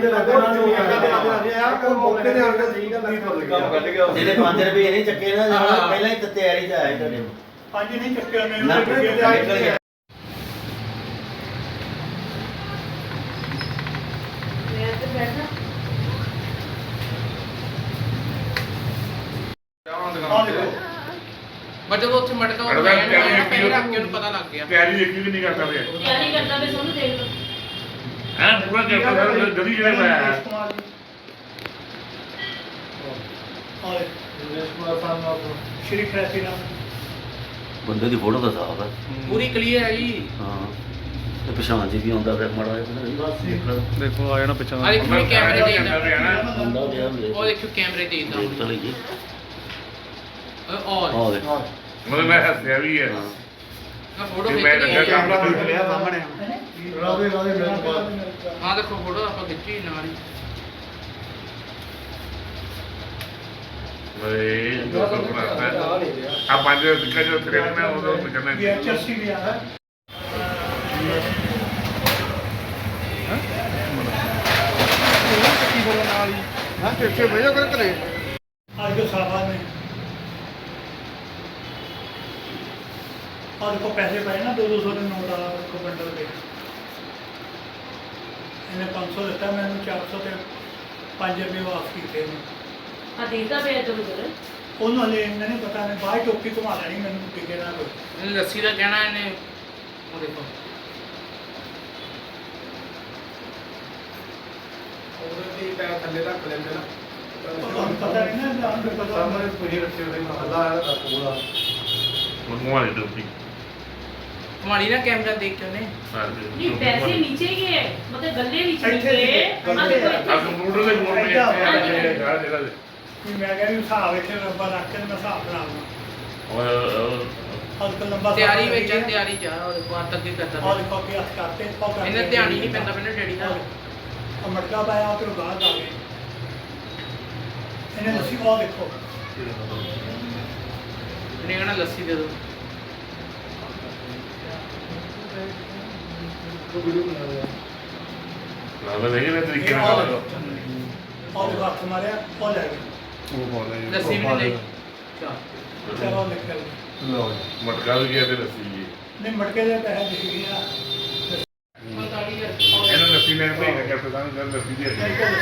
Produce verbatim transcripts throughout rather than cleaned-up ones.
ਜਿਹੜੇ ਪੰਜ ਰੁਪਏ ਨਹੀਂ ਚੱਕੇ ਨਾ ਪਹਿਲਾਂ ਹੀ ਤਿਆਰੀ 'ਚ ਆਏ ਤੁਹਾਡੇ ਪੰਜ ਨਹੀਂ ਚੱਕੇ ਉਹਨੇ ਪਰ ਜਦੋਂ ਉੱਥੇ ਮਟਕਾ ਉਹ ਪਹਿਲਾਂ ਰੱਖ ਕੇ ਉਹਨੂੰ ਪਤਾ ਲੱਗ ਗਿਆ ਤਿਆਰੀ ਦੇਖੀ ਵੀ ਨਹੀਂ ਕਰਦਾ ਪਿਆ ਤਿਆਰੀ ਕਰਦਾ ਵੇ ਸੋਨੂੰ ਦੇਖ ਲਓ ਹਾਂ ਪੂਰਾ ਕਰਦਾ ਜਦੀ ਜਿਹੜੇ ਪਾਇਆ ਸ਼੍ਰੀ ਖੈਤੀ ਨਾਮ ਬੰਦੇ ਦੀ ਫੋਟੋ ਤਾਂ ਸਾਫ ਹੈ ਪੂਰੀ ਕਲੀਅਰ ਹੈ ਜੀ ਹਾਂ ਤੇ ਪਛਾਣ ਜੀ ਵੀ ਆਉਂਦਾ ਫਿਰ ਮਾੜਾ ਜਿਹਾ ਦੇਖੋ ਆ ਜਾਣਾ ਪਿੱਛੇ ਆ ਦੇਖੋ ਮੈਂ ਕੈਮਰੇ ਦੇਖਦਾ ਬੰਦਾ ਗਿਆ ਉਹ ਦੇਖੋ ਕੈਮਰੇ ਦੇਖਦਾ ਚਲੇ ਜੀ ਔਰ ਆ ਦੇਖ ਮਤਲਬ ਮੈਂ ਹੱਸਿਆ ਵੀ ਹੈ ਆ ਫੋਟੋ ਮੈਂ ਖਿੱਚ ਲੱਗਾ ਲਈ ਕੈਮਰਾ ਦੇਖ ਲਿਆ ਸਾਹਮਣੇ ਰਾਵੇ ਰਾਵੇ ਮੇਰੇ ਬਾਅਦ ਆ ਦੇਖੋ ਫੋਟੋ ਆਪਾਂ ਖਿੱਚੀ ਨਾਲ ਹੀ ਵੇ ਆ ਪੰਜ ਦਿੱਕਾ ਜੋ ਤੇਰੇ ਮੈਂ ਉਹ ਕਰਨਾ ਵੀ ਐਚਐਸਸੀ ਵੀ ਆ ਹੈ ਹਾਂ ਕਿੱਥੇ ਭੇਜੋ ਕਰ ਕਰੇ आज जो साहबान ने और को पैसे पाए ना दो दो सौ के नोट आ को बंडल के इन्हें पाँच सौ दिता मैंने चार सौ के पाँच रुपये वापस किए ਆ ਦੇਖਦਾ ਵੇ ਇਧਰ ਉਧਰ उन्होंने इन्हें नहीं पता नहीं बाहर टोपी घुमा लेनी मैंने टिके ना कोई ਇਹਨੇ ਲੱਸੀ ਦਾ ਕਹਿਣਾ ਇਹਨੇ ਉਹ ਦੇਖੋ ਉਹਦੇ ਤੇ ਪੈਰ ਥੱਲੇ ਰੱਖ ਲੈਂਦੇ ਨਾ पता नहीं ना जान पता ਸਾਹਮਣੇ ਪੂਰੀ ਰੱਖੇ ਹੋਏ ਮਹੱਲਾ ਆਇਆ ਦਾ ਪੂਰਾ ਮਨੂਆ ਦੇ ਦੁੱਤੀ ਹਮਾਰੀ ਨਾ ਕੈਮਰਾ ਦੇਖ ਕੇ ਉਹਨੇ ਨਹੀਂ ਪੈਸੇ नीचे गए मतलब गले नीचे ਇੱਥੇ गए ਸੀਗੇ, आ देखो ਆ ਕੰਪਿਊਟਰ ਦੇ ਬੋਰਡ ਨੇ ਇੱਥੇ ਆ ਜਿਹੜਾ ਦੇ कि मैं कह रही हूँ हिसाब इतने लंबा रख के मैं हिसाब बना लूँगा ਉਹ और लंबा ਤਿਆਰੀ ਵਿੱਚ ਆ ਤਿਆਰੀ ਚ ਆ ਉਹ ਦੇਖੋ ਹੱਥ ਅੱਗੇ ਕਰਦਾ और देखो कि हथ करते ਇਹਨੇ ਧਿਆਨ ਹੀ ਨਹੀਂ ਪੈਂਦਾ ਮੈਨੂੰ ਡੈਡੀ ਦਾ और मटका पाया फिर बाहर आ गए इन्हें लस्सी और देखो ਇਹਨੇ ਕਹਿਣਾ ਲੱਸੀ ਦੇ ਦਿਓ ਨਾਲ ਨਹੀਂ ਨਾ ਤਰੀਕੇ ਨਾਲ और देखो हाथ मारे और ले गए ਉਹ ਬੋਲੇ ਲੱਸੀ ਵੀ ਨਹੀਂ ਲਈ ਚਾ चलो निकल ਲਓ ਮਟਕਾ ਵੀ ਗਿਆ ਤੇ ਲੱਸੀ ਜੀ नहीं मटके के पैसे दिख गया ਪੰਤਾਲੀ ਹਜ਼ਾਰ ਇਹਨਾਂ ਲੱਸੀ ਲੈਣ ਭੇਜ ਕੇ ਕਰਤੇ ਸਾਨੂੰ ਗੱਲ ਲੱਸੀ ਦੀ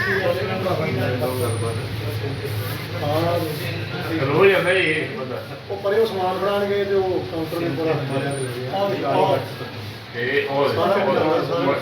ਰੋਜ਼ ਜਾਂਦਾ ਇਹ ਬੰਦਾ ਉਹ ਪਰੇ ਉਹ ਸਮਾਨ ਬਣਾਣਗੇ ਤੇ ਉਹ ਕਾਊਂਟਰ ਦੇ ਪੂਰਾ ਮਾਰਿਆ ਗਿਆ और ਇਹ ਉਹ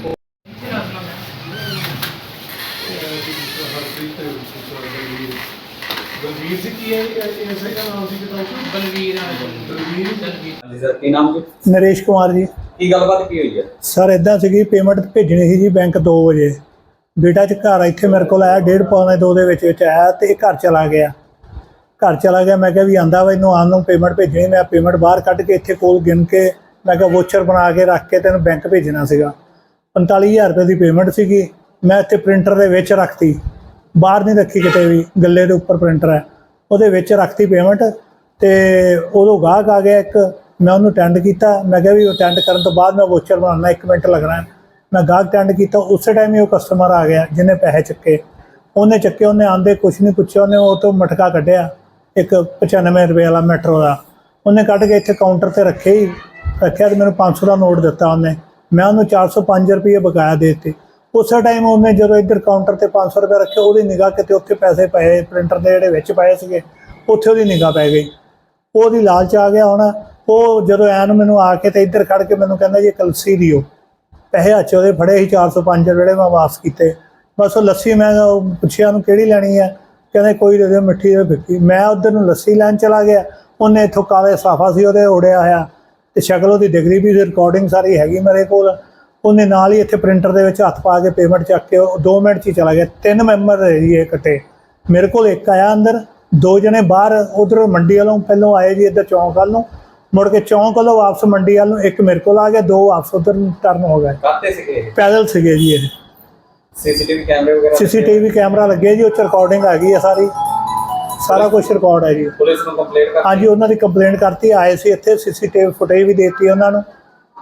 ਬਲਵੀਰ ਜੀ ਕੀ ਹੈ ਇਸੇ ਦਾ ਨਾਮ ਸੀ ਕਿਤਾਬ ਬਲਵੀਰ ਆ ਬਲਵੀਰ ਬਲਵੀਰ ਸਰ ਕੀ ਨਾਮ ਜੀ नरेश कुमार जी ਕੀ ਗੱਲਬਾਤ ਕੀ ਹੋਈ ਹੈ ਸਰ ਇਦਾਂ ਸੀਗੀ ਪੇਮੈਂਟ ਭੇਜਣੀ ਸੀ ਜੀ ਬੈਂਕ ਦੋ ਵਜੇ ਬੇਟਾ ਚ ਘਰ ਇੱਥੇ ਮੇਰੇ ਕੋਲ ਆਇਆ ਡੇਢ ਪੌਣੇ ਦੋ ਦੇ ਵਿੱਚ ਵਿੱਚ ਆਇਆ ਤੇ ਇਹ ਘਰ ਚਲਾ ਗਿਆ ਘਰ ਚਲਾ ਗਿਆ ਮੈਂ ਕਿਹਾ ਵੀ ਆਂਦਾ ਵਾ ਇਹਨੂੰ ਆਉਣ ਨੂੰ ਪੇਮੈਂਟ ਭੇਜਣੀ ਮੈਂ ਪੇਮੈਂਟ ਬਾਹਰ ਕੱਢ ਕੇ ਇੱਥੇ ਕੋਲ ਗਿਣ ਕੇ ਮੈਂ ਕਿਹਾ ਵੋਚਰ ਬਣਾ ਕੇ ਰੱਖ ਕੇ ਤੈਨੂੰ ਬੈਂਕ ਭੇਜਣਾ ਸੀਗਾ ਪੰਤਾਲੀ ਹਜ਼ਾਰ ਰੁਪਏ ਦੀ ਪੇਮੈਂਟ ਸੀਗੀ ਮੈਂ ਇੱਥੇ ਪ੍ਰਿੰਟਰ ਦੇ ਵਿੱਚ ਰੱਖਤੀ ਬਾਹਰ ਨਹੀਂ ਰੱਖੀ ਕਿਤੇ ਵੀ ਗੱਲੇ ਦੇ ਉੱਪਰ ਪ੍ਰਿੰਟਰ ਹੈ ਉਹਦੇ ਵਿੱਚ ਰੱਖਤੀ ਪੇਮੈਂਟ ਤੇ ਉਦੋਂ ਗਾਹਕ ਆ ਗਿਆ ਇੱਕ ਮੈਂ ਉਹਨੂੰ ਅਟੈਂਡ ਕੀਤਾ ਮੈਂ ਕਿਹਾ ਵੀ ਅਟੈਂਡ ਕਰਨ ਤੋਂ ਬਾਅਦ ਮੈਂ ਵੋਚਰ ਬਣਾਉਣਾ ਇੱਕ ਮਿੰਟ ਲੱਗਣਾ ਮੈਂ ਗਾਹਕ ਅਟੈਂਡ ਕੀਤਾ ਉਸੇ ਟਾਈਮ ਹੀ ਉਹ ਕਸਟਮਰ ਆ ਗਿਆ ਜਿਹਨੇ ਪੈਸੇ ਚੱਕੇ ਉਹਨੇ ਚੱਕੇ ਉਹਨੇ ਆਂਦੇ ਕੁਛ ਨਹੀਂ ਪੁੱਛਿਆ ਉਹਨੇ ਉਹ ਤੋਂ ਮਟਕਾ ਕੱਢਿਆ ਇੱਕ ਪਚਾਨਵੇਂ ਰੁਪਏ ਵਾਲਾ ਮੈਟਰੋ ਦਾ ਉਹਨੇ ਕੱਢ ਕੇ ਇੱਥੇ ਕਾਊਂਟਰ ਤੇ ਰੱਖੇ ਹੀ ਰੱਖਿਆ ਤੇ ਮੈਨੂੰ ਪੰਜ ਸੌ ਦਾ ਨੋਟ ਦਿੱਤਾ ਉਹਨੇ ਮੈਂ ਉਹਨੂੰ ਚਾਰ ਸੌ ਪੰਜ ਰੁਪਏ ਬਕਾਇਆ ਦੇ ਦਿੱਤੇ ਉਸੇ ਟਾਈਮ ਉਹਨੇ ਜਦੋਂ ਇੱਧਰ ਕਾਊਂਟਰ ਤੇ ਪੰਜ ਸੌ ਰੁਪਏ ਰੱਖੇ ਉਹਦੀ ਨਿਗਾਹ ਕਿਤੇ ਉੱਥੇ ਪੈਸੇ ਪਏ ਪ੍ਰਿੰਟਰ ਦੇ ਜਿਹੜੇ ਵਿੱਚ ਪਏ ਸੀਗੇ ਉੱਥੇ ਉਹਦੀ ਨਿਗਾਹ ਪੈ ਗਈ ਉਹਦੀ ਲਾਲਚ ਆ ਗਿਆ ਹੁਣ ਉਹ ਜਦੋਂ ਐਨ ਮੈਨੂੰ ਆ ਕੇ ਤੇ ਇੱਧਰ ਖੜ ਕੇ ਮੈਨੂੰ ਕਹਿੰਦਾ ਜੀ ਲੱਸੀ ਦਿਓ ਪੈਸੇ ਹੱਥ ਉਹਦੇ ਫੜੇ ਸੀ ਚਾਰ ਸੌ ਪੰਜ ਜਿਹੜੇ ਮੈਂ ਵਾਪਸ ਕੀਤੇ ਬਸ ਉਹ ਲੱਸੀ ਮੈਂ ਪੁੱਛਿਆ ਉਹਨੂੰ ਕਿਹੜੀ ਲੈਣੀ ਹੈ ਕਹਿੰਦੇ ਕੋਈ ਦੇ ਦਿਓ ਮਿੱਠੀ ਦੇ ਫਿੱਕੀ ਮੈਂ ਉੱਧਰ ਨੂੰ ਲੱਸੀ ਲੈਣ ਚਲਾ ਗਿਆ ਉਹਨੇ ਇੱਥੋਂ ਕਾਲੇ ਸਾਫਾ ਸੀ ਉਹਦੇ ਉੜਿਆ ਹੋਇਆ ਤੇ ਸ਼ਕਲ ਉਹਦੀ ਡਿਗਰੀ ਵੀ ਰਿਕਾਰਡਿੰਗ ਸਾਰੀ ਹੈਗੀ ਮੇਰੇ ਕੋਲ ਉਹਨੇ ਨਾਲ ਹੀ ਇੱਥੇ ਪ੍ਰਿੰਟਰ ਦੇ ਵਿੱਚ ਹੱਥ ਪਾ ਕੇ ਪੇਮੈਂਟ ਚੱਕ ਕੇ ਉਹ ਦੋ ਮਿੰਟ 'ਚ ਹੀ ਚਲਾ ਗਿਆ ਤਿੰਨ ਮੈਂਬਰ ਰਹੇ ਜੀ ਇਹ ਇਕੱਠੇ ਮੇਰੇ ਕੋਲ ਇੱਕ ਆਇਆ ਅੰਦਰ ਦੋ ਜਣੇ ਬਾਹਰ ਉਧਰ ਮੰਡੀ ਵੱਲੋਂ ਪਹਿਲੋਂ ਆਏ ਜੀ ਇੱਧਰ ਚੌਂਕ ਵੱਲ ਨੂੰ ਮੁੜ ਕੇ ਚੌਂਕ ਵੱਲੋਂ ਵਾਪਸ ਮੰਡੀ ਵੱਲ ਨੂੰ ਇੱਕ ਮੇਰੇ ਕੋਲ ਆ ਗਿਆ ਦੋ ਵਾਪਸ ਉਧਰ ਟਰਨ ਹੋ ਗਏ ਕਾਤੇ ਸੀਗੇ ਪੈਦਲ ਸੀਗੇ ਜੀ ਇਹ ਸੀਸੀਟੀਵੀ ਕੈਮਰੇ ਵਗੈਰਾ ਸੀਸੀਟੀਵੀ ਕੈਮਰਾ ਲੱਗੇ ਜੀ ਉਹ 'ਚ ਰਿਕਾਰਡਿੰਗ ਆ ਗਈ ਹੈ ਸਾਰੀ ਸਾਰਾ ਕੁਝ ਰਿਕਾਰਡ ਹੈ ਜੀ ਪੁਲਿਸ ਨੂੰ ਕੰਪਲੇਂਟ ਕਰ ਹਾਂਜੀ ਉਹਨਾਂ ਦੀ ਕੰਪਲੇਂਟ ਕਰਤੀ ਆਏ ਸੀ ਇੱਥੇ ਸੀਸੀਟੀਵੀ ਫੁਟੇਜ ਵੀ ਦੇਤੀ ਉਹਨਾਂ ਨੂੰ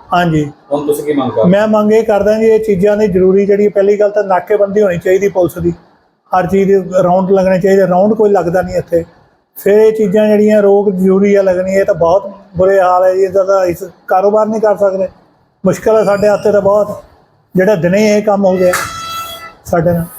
ਹਾਂਜੀ ਹੁਣ ਤੁਸੀਂ ਕੀ ਮੰਗ ਕਰਦੇ ਮੈਂ ਮੰਗ ਇਹ ਕਰਦਾ ਜੀ ਇਹ ਚੀਜ਼ਾਂ ਦੀ ਜ਼ਰੂਰੀ ਜਿਹੜੀ ਪਹਿਲੀ ਗੱਲ ਤਾਂ ਨਾਕੇਬੰਦੀ ਹੋਣੀ ਚਾਹੀਦੀ ਪੁਲਿਸ ਦੀ, ਹਰ ਚੀਜ਼ ਦੇ ਰਾਉਂਡ ਲੱਗਣੇ ਚਾਹੀਦੇ, ਰਾਉਂਡ ਕੋਈ ਲੱਗਦਾ ਨਹੀਂ ਇੱਥੇ। ਫਿਰ ਇਹ ਚੀਜ਼ਾਂ ਜਿਹੜੀਆਂ ਰੋਕ ਜ਼ਰੂਰੀ ਆ ਲੱਗਣੀ, ਇਹ ਤਾਂ ਬਹੁਤ ਬੁਰੇ ਹਾਲ ਹੈ ਜੀ, ਇਹਦਾ ਤਾਂ ਇਸ ਕਾਰੋਬਾਰ ਨਹੀਂ ਕਰ ਸਕਦੇ, ਮੁਸ਼ਕਿਲ ਹੈ ਸਾਡੇ ਹੱਥੇ ਤਾਂ ਬਹੁਤ, ਜਿਹੜਾ ਦਿਨੇ ਇਹ ਕੰਮ ਹੋ ਗਿਆ ਸਾਡੇ ਨਾਲ।